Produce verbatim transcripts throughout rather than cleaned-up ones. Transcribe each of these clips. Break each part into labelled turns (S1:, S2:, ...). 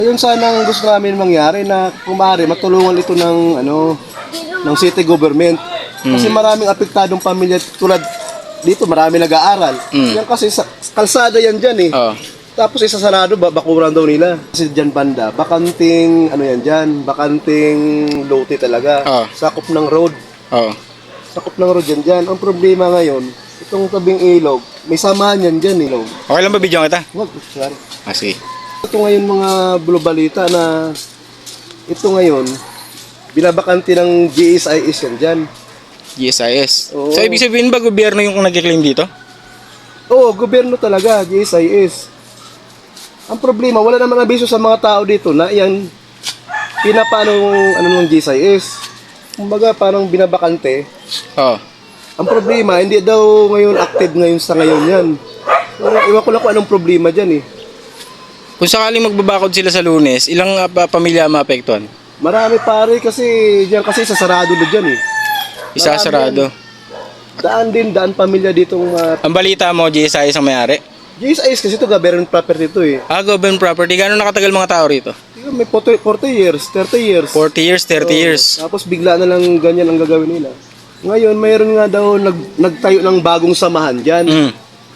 S1: Ayun sana ang gusto namin mangyari na kung maaari matulungan ito ng ano ng city government. Kasi
S2: Mm.
S1: maraming apektadong pamilya tulad dito, marami nag-aaral.
S2: Mm.
S1: Yan kasi sa kalsada yan dyan eh.
S2: Oo.
S1: Tapos isasarado ba bakuran daw nila. Kasi dyan banda, bakanting ano yan dyan, bakanting lote talaga.
S2: Oo.
S1: Sakop ng road.
S2: Oo.
S1: Sakop ng road yan dyan. Ang problema ngayon, itong tabing ilog, may samahan yan dyan ilog.
S2: Okay lang ba video kita?
S1: Wag, sorry.
S2: Ah, sige.
S1: Ito ngayon mga bulubalita na ito ngayon, binabakante ng G S I S yan dyan.
S2: G S I S.
S1: Oo.
S2: So, ibig sabihin ba gobyerno yung nag-claim dito?
S1: Oo, gobyerno talaga, G S I S. Ang problema, wala naman abiso sa mga tao dito na yan, pinapano ano ng G S I S. Kumbaga, parang binabakante.
S2: Oo.
S1: Ang problema, hindi daw ngayon active ngayon sa ngayon yan. Iwan ko lang kung anong problema dyan eh.
S2: Kung sakaling magbabakod sila sa Lunes, ilang uh, pa- pamilya maapektuhan?
S1: Marami pare kasi, diyan kasi sasarado na dyan eh.
S2: Isasarado.
S1: Daan din, daan pamilya ditong uh,
S2: Ang balita mo, G S I S ang may-ari?
S1: G S I S kasi ito government property ito eh.
S2: Ah, government property. Gano'n nakatagal mga tao rito?
S1: Tingnan, may forty, forty years, thirty years.
S2: forty years, thirty
S1: Oo,
S2: years.
S1: Tapos bigla na lang ganyan ang gagawin nila. Ngayon, mayroon nga daw nag, nagtayo ng bagong samahan dyan.
S2: Mm.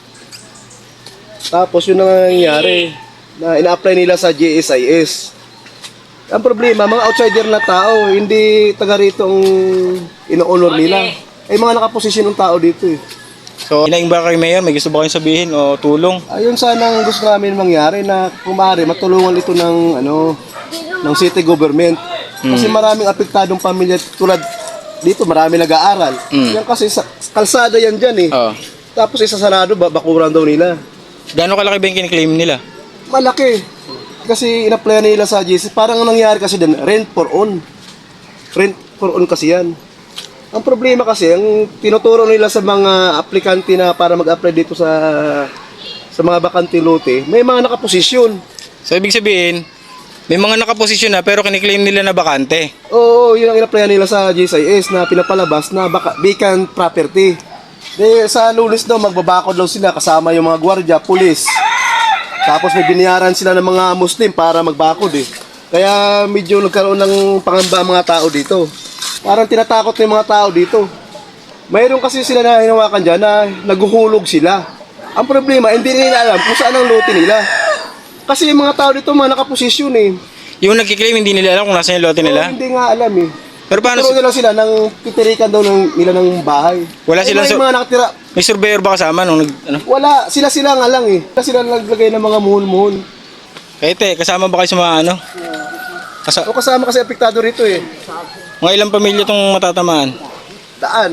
S1: Tapos yun ang nangyayari na ina-apply nila sa G S I S. Ang problema, mga outsider na tao, hindi taga rito ang ino-honor nila. Ay mga nakaposisyon ng tao dito eh.
S2: So, inaing ba kayo, Mayor? May gusto ba kayong sabihin o tulong?
S1: Ayun sana ang gusto namin mangyari na kung maaari matulungan ito ng ano ng city government. Kasi maraming apektadong pamilya tulad dito, marami nag-aaral.
S2: Mm.
S1: Yan kasi sa kalsada yan dyan eh.
S2: Oo.
S1: Tapos isasarado ba bakuran daw nila.
S2: Gano'n kalaki ba yung kiniklaim nila?
S1: Malaki. Kasi ina-apply nila sa G S I S. Parang ang nangyari kasi din, rent for own. Rent for own kasi yan. Ang problema kasi, ang tinuturo nila sa mga aplikante na para mag-apply dito sa sa mga bakante lote, may mga nakaposisyon.
S2: So, ibig sabihin, may mga nakaposisyon na pero kiniklaim nila na bakante.
S1: Oo, yun ang ina-apply nila sa G S I S na pinapalabas na baka, vacant property. De, sa Lunes daw, magbabakod daw sila kasama yung mga gwardiya, pulis. Tapos may binayaran sila ng mga Muslim para magbakod eh. Kaya medyo nagkaroon ng pangamba ang mga tao dito. Parang tinatakot ng mga tao dito. Mayroon kasi sila na hinawakan dyan na naguhulog sila. Ang problema, hindi nila alam kung saan ang lote nila. Kasi yung mga tao dito, mga nakaposisyon eh.
S2: Yung nagkiklaim, hindi nila alam kung nasa yung lote
S1: Oo,
S2: nila?
S1: hindi nga alam eh.
S2: Pero paano,
S1: Turo
S2: si-
S1: nila sila ng titirikan daw ng, nila ng bahay.
S2: Wala
S1: Eh,
S2: silang
S1: may
S2: sur-
S1: mga nakatira.
S2: may surveyor ba kasama nung nag, ano?
S1: Wala, sila-sila nga lang eh. Sila naglagay ng mga muhon-muhon.
S2: Kahit eh, kasama ba kayo sa mga ano? Kasa-
S1: O kasama kasi apektado rito eh.
S2: mga ilang pamilya itong matatamaan?
S1: Daan.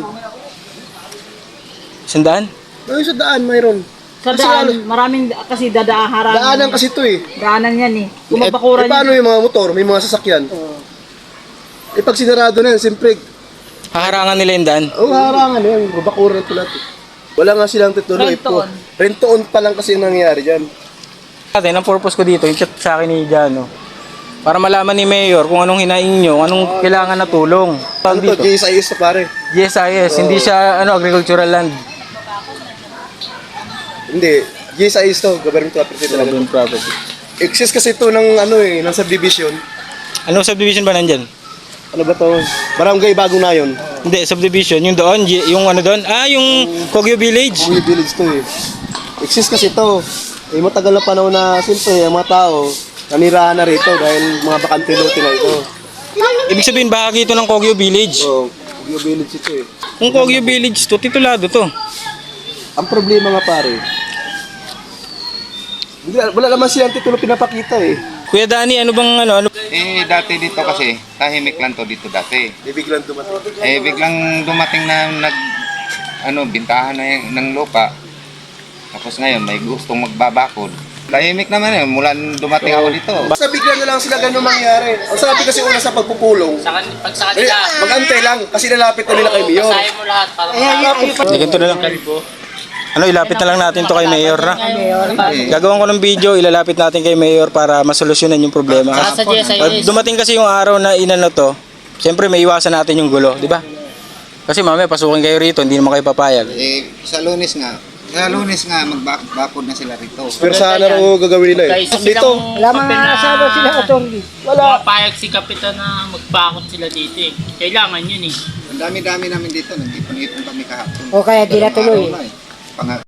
S2: Sandaan?
S1: Ay, sa daan mayroon.
S3: Sa
S1: Kasi
S3: daan,
S1: ano,
S3: maraming kasi dadaaharan.
S1: daanan kasi ito eh.
S3: Daanan yan eh.
S1: Eh,
S3: Kumabakuran
S1: eh, paano yung mga motor, may mga sasakyan? Eh pag sinarado na yan, siyempre,
S2: Haharangan nila yung daan?
S1: oh, harangan yan, babakuran ito lahat. eh. Wala nga silang titulo. eh, po.
S3: Rent-to-own.
S1: Rent-to-own pa lang kasi yung nangyari dyan.
S2: Atin, ang purpose ko dito, yung chat sa akin ni Jano, para malaman ni Mayor kung anong hinaing nyo, anong kailangan na tulong.
S1: Ano to,
S2: Dito,
S1: G S I S to pare?
S2: G S I S, hindi siya ano agricultural land.
S1: Hindi, G S I S to, government property talaga.
S2: Urban property.
S1: Exist kasi ito ng ano eh, ng subdivision.
S2: Anong subdivision ba nandyan?
S1: Ano ba to? Barangay Bagong Nayon.
S2: Hindi, subdivision, yung doon, G- yung ano doon, ah, yung Kogyo Village.
S1: Buli village to eh. Exist kasi ito. Eh matagal na panahon na siyempre ang mga tao nanirahan na rito dahil mga bakante lote na ito.
S2: Ibig sabihin, bahagi ito ng Kogyo Village.
S1: So, Kogyo village ito eh.
S2: Kung Kogyo Village to, titulado to.
S1: Ang problema nga pare, hindi, wala naman silang titulo pinapakita eh.
S2: Kuya Danny, ano bang ano, ano?
S4: Eh, dati dito kasi, tahimik lang to dito dati.
S1: Bibiglang dumating.
S4: Eh, biglang dumating na nag, ano, bintahan na yung, ng lupa. Tapos ngayon, may gustong magbabakod. Tahimik naman eh, mula nung dumating ako dito.
S1: Basta bigla na lang sila ganun mangyari. Ang sabi kasi una sa pagpupulong,
S5: Pag sa
S1: eh,
S5: kanila,
S1: mag-antay lang kasi lalapit na nila kay Mayor.
S5: basahin mo lahat para
S2: Hindi, ganito na lang. Ano, ilapit na lang natin to kay Mayor na. Gagawin ko ng video, ilalapit natin kay Mayor para masolusyonan yung problema.
S5: Sa G S I S.
S2: Pag dumating kasi yung araw na inano to, siyempre may iwasan natin yung gulo, di ba? Kasi mamaya pasukin kayo rito, hindi naman kayo papayag.
S4: Eh, sa Lunes nga,
S5: Kaya lunes nga, magbakod na sila rito.
S1: Pero sana raw gagawin nila eh. Dito,
S6: Wala mga asawa sila, attorney.
S1: wala.
S7: Pumapayag si Kapitan na magbakot sila dito eh. Kailangan yun eh.
S5: Ang dami-dami namin dito, nag-ipon-ipon kami kahapon.
S6: O kaya di natuloy.
S5: Araw na eh. Pang-